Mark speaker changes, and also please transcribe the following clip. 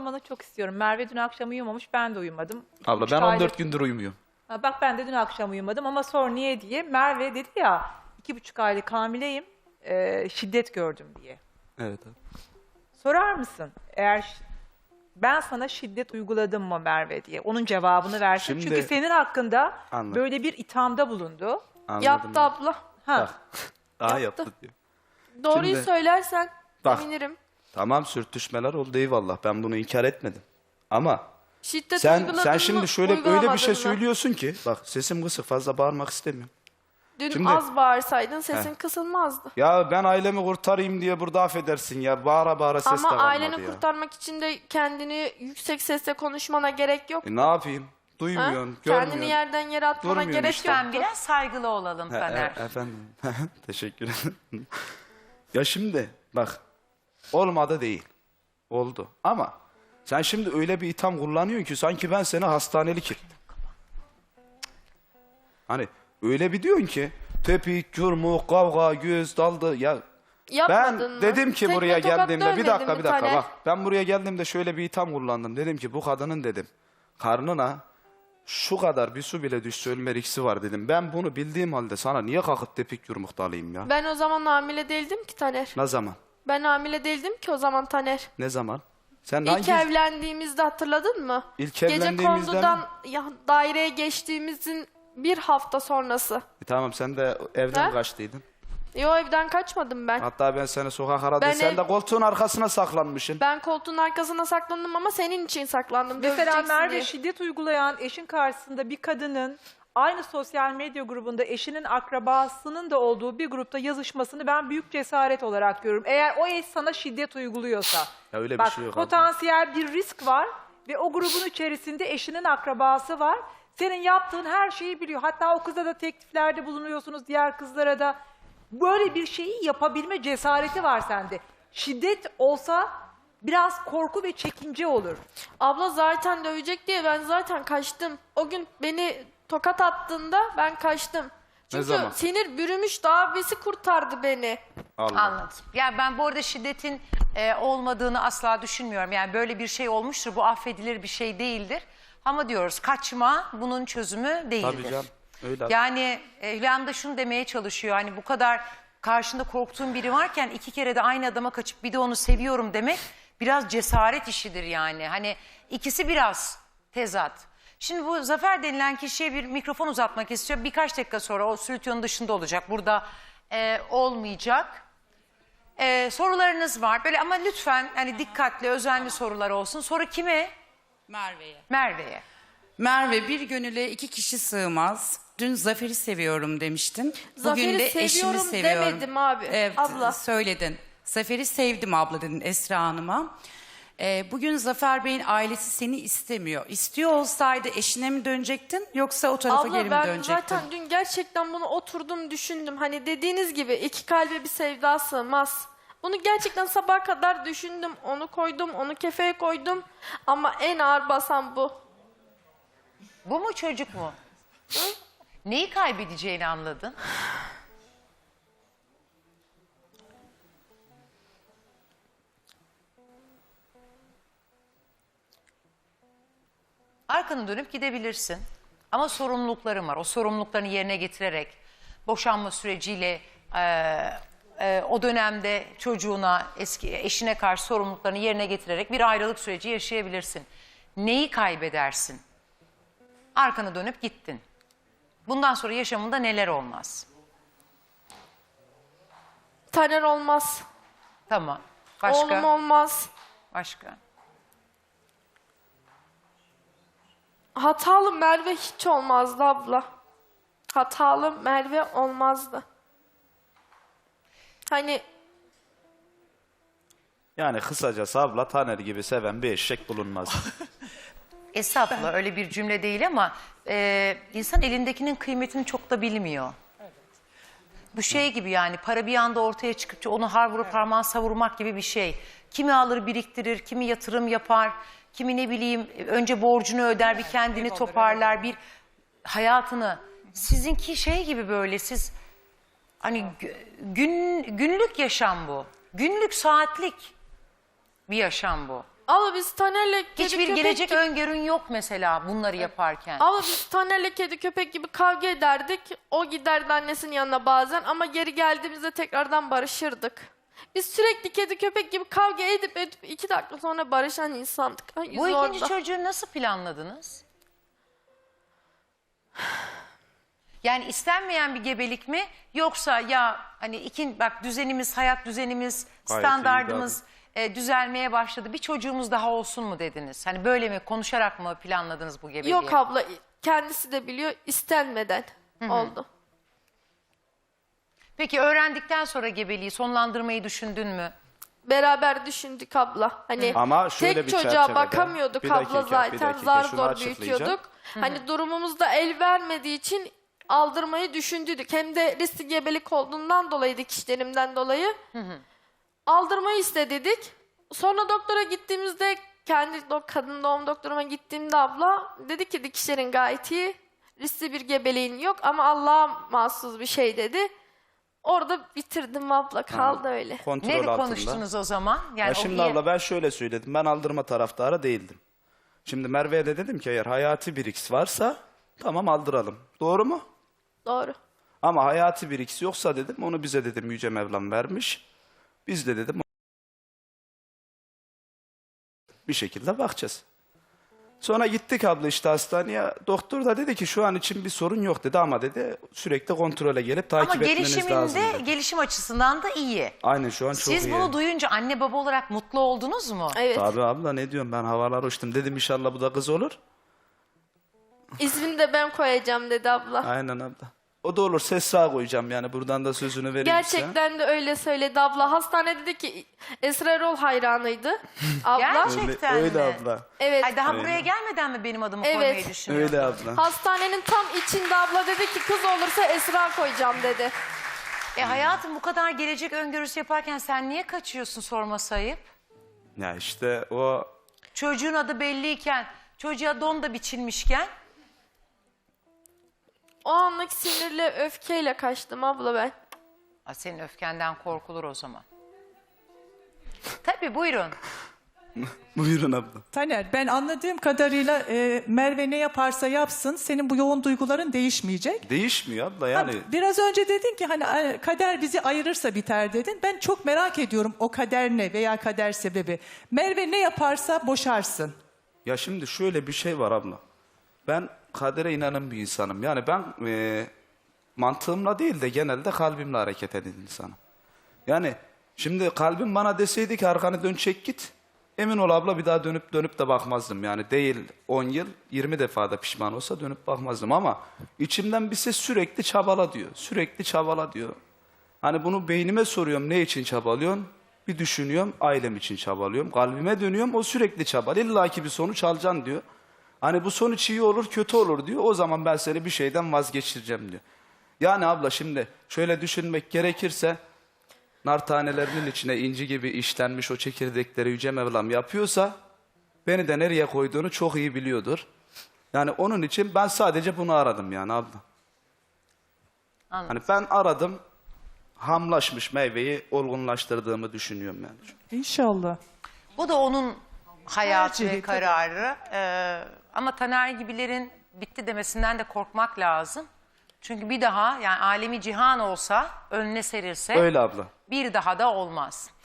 Speaker 1: anlamanı çok istiyorum. Merve dün akşam uyumamış, ben de uyumadım.
Speaker 2: Abla
Speaker 1: Üç
Speaker 2: ben
Speaker 1: aylık-
Speaker 2: 14 gündür uyumuyorum.
Speaker 1: Ha, bak ben de dün akşam uyumadım ama sor niye diye. Merve dedi ya 2,5 aylık hamileyim, şiddet gördüm diye.
Speaker 2: Evet abi.
Speaker 1: Sorar mısın eğer ben sana şiddet uyguladım mı Merve diye? Onun cevabını versin.
Speaker 2: Şimdi-
Speaker 1: Çünkü senin hakkında
Speaker 2: Anladım.
Speaker 1: böyle bir ithamda bulundu.
Speaker 2: Anladım.
Speaker 3: Yaptı abla.
Speaker 1: Ha.
Speaker 2: Bak. Daha
Speaker 3: Yaptı.
Speaker 2: yaptı diyor.
Speaker 3: Doğruyu
Speaker 2: Şimdi-
Speaker 3: söylersen
Speaker 2: Bak.
Speaker 3: sevinirim.
Speaker 2: Tamam sürtüşmeler oldu eyvallah. Ben bunu inkar etmedim. Ama
Speaker 3: Şiddet
Speaker 2: sen
Speaker 3: uyguladın
Speaker 2: şimdi
Speaker 3: mı,
Speaker 2: şöyle öyle bir
Speaker 3: uygulamadın
Speaker 2: şey
Speaker 3: mı?
Speaker 2: söylüyorsun ki bak sesim kısık fazla bağırmak istemiyorum.
Speaker 3: Dün
Speaker 2: Şimdi-
Speaker 3: az bağırsaydın sesin kısılmazdı.
Speaker 2: Ya ben ailemi kurtarayım diye burada affedersin ya. Bağıra bağıra ses de
Speaker 3: Ama
Speaker 2: kalmadı
Speaker 3: aileni
Speaker 2: ya.
Speaker 3: kurtarmak için de kendini yüksek sesle konuşmana gerek yok.
Speaker 2: Ne yapayım?
Speaker 3: Ha?
Speaker 2: Duymuyorsun,
Speaker 3: Kendini
Speaker 2: görmüyorsun.
Speaker 3: yerden yere atmana
Speaker 2: Durmuyorsun
Speaker 3: gerek
Speaker 2: işte.
Speaker 3: yok.
Speaker 4: Lütfen biraz saygılı olalım Taner.
Speaker 2: Efendim. Teşekkür ederim. Ya şimdi bak olmadı değil. Oldu. Ama sen şimdi öyle bir itham kullanıyorsun ki sanki ben seni hastanelik ettim. Hani öyle bir diyorsun ki tepik, yumruk, kavga, göz daldı ya.
Speaker 3: Yapmadın
Speaker 2: Ben
Speaker 3: mı?
Speaker 2: dedim ki
Speaker 3: Tekme
Speaker 2: buraya
Speaker 3: tokat
Speaker 2: geldiğimde bir
Speaker 3: dövmedin
Speaker 2: dakika
Speaker 3: mi
Speaker 2: bir dakika
Speaker 3: Taner?
Speaker 2: bak. Ben buraya geldiğimde şöyle bir itham kullandım. Dedim ki bu kadının dedim karnına şu kadar bir su bile düşse ölme riski var dedim. Ben bunu bildiğim halde sana niye kalkıp tepik yumruk dalayım ya?
Speaker 3: Ben o zaman hamile değildim ki Taner.
Speaker 2: Ne zaman?
Speaker 3: Ben hamile değildim ki o zaman Taner.
Speaker 2: Ne zaman? Sen
Speaker 3: İlk
Speaker 2: hangi...
Speaker 3: evlendiğimizde hatırladın mı?
Speaker 2: İlk
Speaker 3: Gece
Speaker 2: evlendiğimizden
Speaker 3: kondudan daireye geçtiğimizin bir hafta sonrası.
Speaker 2: Tamam sen de evden
Speaker 3: Ha?
Speaker 2: kaçtıydın.
Speaker 3: O evden kaçmadım ben.
Speaker 2: Hatta ben seni sokak aradım.
Speaker 3: Ben
Speaker 2: Sen
Speaker 3: ev-
Speaker 2: de koltuğun arkasına saklanmışsın.
Speaker 3: Ben koltuğun arkasına saklandım ama senin için saklandım.
Speaker 1: Mesela
Speaker 3: döveceksin
Speaker 1: Merve
Speaker 3: diye.
Speaker 1: şiddet uygulayan eşin karşısında bir kadının aynı sosyal medya grubunda eşinin akrabasının da olduğu bir grupta yazışmasını ben büyük cesaret olarak görüyorum. Eğer o eş sana şiddet uyguluyorsa.
Speaker 2: Ya öyle bir
Speaker 1: bak,
Speaker 2: şey yok.
Speaker 1: potansiyel bir risk var ve o grubun içerisinde eşinin akrabası var. Senin yaptığın her şeyi biliyor. Hatta o kıza da tekliflerde bulunuyorsunuz, diğer kızlara da. Böyle bir şeyi yapabilme cesareti var sende. Şiddet olsa biraz korku ve çekince olur.
Speaker 3: Abla zaten dövecek diye ben zaten kaçtım. O gün beni tokat attığında ben kaçtım. Çünkü
Speaker 2: zaman?
Speaker 3: sinir bürümüş abisi kurtardı beni.
Speaker 2: Allah.
Speaker 4: Anladım. Yani ben bu arada şiddetin olmadığını asla düşünmüyorum. Yani böyle bir şey olmuştur. Bu affedilir bir şey değildir. Ama diyoruz kaçma bunun çözümü değildir.
Speaker 2: Tabii canım. Öyle.
Speaker 4: Yani Hülya Hanım da şunu demeye çalışıyor. Hani bu kadar karşında korktuğun biri varken 2 kere de aynı adama kaçıp bir de onu seviyorum demek biraz cesaret işidir yani. Hani ikisi biraz tezat. Şimdi bu Zafer denilen kişiye bir mikrofon uzatmak istiyor. Birkaç dakika sonra o stüdyonun dışında olacak. Burada olmayacak. Sorularınız var. Böyle ama lütfen hani dikkatli, özenli sorular olsun. Soru kime?
Speaker 5: Merve'ye.
Speaker 4: Merve'ye.
Speaker 5: Merve bir gönüle 2 kişi sığmaz. Dün Zafer'i seviyorum demiştin.
Speaker 3: Zafer'i
Speaker 5: Bugün de eşimi
Speaker 3: seviyorum
Speaker 5: seviyorum.
Speaker 3: demedim abi,
Speaker 5: Evet,
Speaker 3: abla.
Speaker 5: söyledin. Zafer'i sevdim abla dedin Esra Hanım'a. Bugün Zafer Bey'in ailesi seni istemiyor. İstiyor olsaydı eşine mi dönecektin yoksa o tarafa geri
Speaker 3: Abla
Speaker 5: mi
Speaker 3: ben
Speaker 5: dönecektin?
Speaker 3: zaten dün gerçekten bunu oturdum düşündüm. Hani dediğiniz gibi iki kalbe bir sevda sığmaz. Bunu gerçekten sabaha kadar düşündüm. Onu koydum, onu kefeye koydum. Ama en ağır basan bu.
Speaker 4: Bu mu çocuk mu? Neyi kaybedeceğini anladın? Arkanı dönüp gidebilirsin. Ama sorumlulukların var. O sorumluluklarını yerine getirerek boşanma süreciyle o dönemde çocuğuna, eski eşine karşı sorumluluklarını yerine getirerek bir ayrılık süreci yaşayabilirsin. Neyi kaybedersin? Arkanı dönüp gittin. Bundan sonra yaşamında neler olmaz?
Speaker 3: Taner olmaz.
Speaker 4: Tamam. Başka?
Speaker 3: Oğlum olmaz.
Speaker 4: Başka?
Speaker 3: Hatalı Merve hiç olmazdı abla. Hatalı Merve olmazdı. Hani
Speaker 2: Yani kısacası abla Taner gibi seven bir eşek bulunmaz.
Speaker 4: Estağfurullah öyle bir cümle değil ama insan elindekinin kıymetini çok da bilmiyor. Bu şey gibi yani para bir anda ortaya çıkıp onu har vurup parmağı savurmak gibi bir şey. Kimi alır biriktirir, kimi yatırım yapar, kimi ne bileyim önce borcunu öder bir kendini toparlar bir hayatını. Sizinki şey gibi böyle siz hani günlük yaşam bu. Günlük saatlik bir yaşam bu.
Speaker 3: Abla biz Taner'le kedi
Speaker 4: Hiçbir
Speaker 3: köpek
Speaker 4: gelecek
Speaker 3: gibi...
Speaker 4: öngörün yok mesela bunları yaparken.
Speaker 3: Abla biz Taner'le kedi köpek gibi kavga ederdik. O giderdi annesinin yanına bazen ama geri geldiğimizde tekrardan barışırdık. Biz sürekli kedi köpek gibi kavga edip 2 dakika sonra barışan insandık. Ay,
Speaker 4: Bu
Speaker 3: yüzü
Speaker 4: ikinci
Speaker 3: orada.
Speaker 4: çocuğu nasıl planladınız? Yani istenmeyen bir gebelik mi? Yoksa ya hani bak düzenimiz, hayat düzenimiz,
Speaker 2: Gayet
Speaker 4: standardımız düzelmeye başladı. Bir çocuğumuz daha olsun mu dediniz? Hani böyle mi konuşarak mı planladınız bu gebeliği?
Speaker 3: Yok abla kendisi de biliyor istenmeden oldu.
Speaker 4: Peki öğrendikten sonra gebeliği sonlandırmayı düşündün mü?
Speaker 3: Beraber düşündük abla. Hani
Speaker 2: Ama şöyle
Speaker 3: tek
Speaker 2: bir
Speaker 3: çocuğa
Speaker 2: çerçevede-
Speaker 3: bakamıyorduk
Speaker 2: Bir
Speaker 3: abla
Speaker 2: dakika, bir
Speaker 3: zaten.
Speaker 2: dakika,
Speaker 3: Zar
Speaker 2: şunu
Speaker 3: zor
Speaker 2: açıklayacağım.
Speaker 3: büyütüyorduk. Hani durumumuz da el vermediği için aldırmayı düşündük. Hem de riskli gebelik olduğundan dolayı dikişlerimden dolayı aldırmayı istedik. Sonra doktora gittiğimizde kadın doğum doktoruma gittiğimde abla dedi ki dikişlerin gayet iyi. Riskli bir gebeliğin yok ama Allah'a mahsus bir şey dedi. Orada bitirdim abla kaldı öyle.
Speaker 2: Kontrol
Speaker 4: Ne
Speaker 2: altında.
Speaker 4: konuştunuz o zaman? Yani
Speaker 2: Ya
Speaker 4: o
Speaker 2: şimdi
Speaker 4: iyi-
Speaker 2: abla ben şöyle söyledim. Ben aldırma taraftarı değildim. Şimdi Merve'ye de dedim ki eğer hayati bir X varsa tamam aldıralım. Doğru mu?
Speaker 3: Doğru.
Speaker 2: Ama hayati bir X yoksa dedim onu bize dedim Yüce Mevlam vermiş. Biz de dedim bir şekilde bakacağız. Sonra gittik abla işte hastaneye. Doktor da dedi ki şu an için bir sorun yok dedi ama dedi sürekli kontrole gelip takip
Speaker 4: Ama
Speaker 2: etmeniz lazım
Speaker 4: gelişiminde,
Speaker 2: dedi.
Speaker 4: gelişim açısından da iyi.
Speaker 2: Aynen şu an çok
Speaker 4: Siz
Speaker 2: iyi.
Speaker 4: bunu duyunca anne baba olarak mutlu oldunuz mu?
Speaker 3: Evet.
Speaker 2: Tabii abla ne diyorum ben havalar uçtum. Dedim inşallah bu da kız olur.
Speaker 3: İsmini de ben koyacağım dedi abla.
Speaker 2: Aynen abla. O da olur Sesra koyacağım yani buradan da sözünü vereyim size.
Speaker 3: Gerçekten de öyle söyledi abla. Hastanede dedi ki Esra Erol hayranıydı abla.
Speaker 4: Gerçekten
Speaker 2: Öyle, öyle
Speaker 4: mi?
Speaker 2: abla.
Speaker 3: Evet.
Speaker 4: Ay daha buraya gelmeden mi benim adımı
Speaker 3: Evet.
Speaker 4: koymayı düşünüyorsun?
Speaker 2: Öyle abla.
Speaker 3: Hastanenin tam içinde abla dedi ki kız olursa Esra koyacağım dedi.
Speaker 4: Hayatım bu kadar gelecek öngörüsü yaparken sen niye kaçıyorsun sorması ayıp?
Speaker 2: Ya işte o
Speaker 4: Çocuğun adı belliyken, çocuğa don da biçilmişken
Speaker 3: O anlık sinirle öfkeyle kaçtım abla ben.
Speaker 4: senin öfkenden korkulur o zaman. Tabii buyurun.
Speaker 2: buyurun abla.
Speaker 6: Taner, ben anladığım kadarıyla Merve ne yaparsa yapsın senin bu yoğun duyguların değişmeyecek.
Speaker 2: Değişmiyor abla yani.
Speaker 6: Biraz önce dedin ki hani kader bizi ayırırsa biter dedin. Ben çok merak ediyorum o kader ne veya kader sebebi. Merve ne yaparsa boşarsın.
Speaker 2: Ya şimdi şöyle bir şey var abla. Ben kadere inanan bir insanım. Yani ben mantığımla değil de genelde kalbimle hareket eden insanım. Yani şimdi kalbim bana deseydi ki arkanı dön çek git. Emin ol abla bir daha dönüp de bakmazdım. Yani değil 10 yıl 20 defa da pişman olsa dönüp bakmazdım. Ama içimden bir ses sürekli çabala diyor. Sürekli çabala diyor. Hani bunu beynime soruyorum ne için çabalıyorsun? Bir düşünüyorum ailem için çabalıyorum. Kalbime dönüyorum o sürekli çabalıyor. İlla ki bir sonuç alacaksın diyor. Hani bu sonuç iyi olur kötü olur diyor. O zaman ben seni bir şeyden vazgeçireceğim diyor. Yani abla şimdi şöyle düşünmek gerekirse nar tanelerinin içine inci gibi işlenmiş o çekirdekleri Yüce Mevlam yapıyorsa beni de nereye koyduğunu çok iyi biliyordur. Yani onun için ben sadece bunu aradım yani abla.
Speaker 4: Anladım.
Speaker 2: Hani ben aradım hamlaşmış meyveyi olgunlaştırdığımı düşünüyorum yani.
Speaker 6: İnşallah.
Speaker 4: Bu da onun hayatı
Speaker 6: Tercihi,
Speaker 4: ve kararı. Ama Taner gibilerin bitti demesinden de korkmak lazım. Çünkü bir daha yani alemi cihan olsa önüne serilse
Speaker 2: Öyle abla.
Speaker 4: bir daha da olmaz.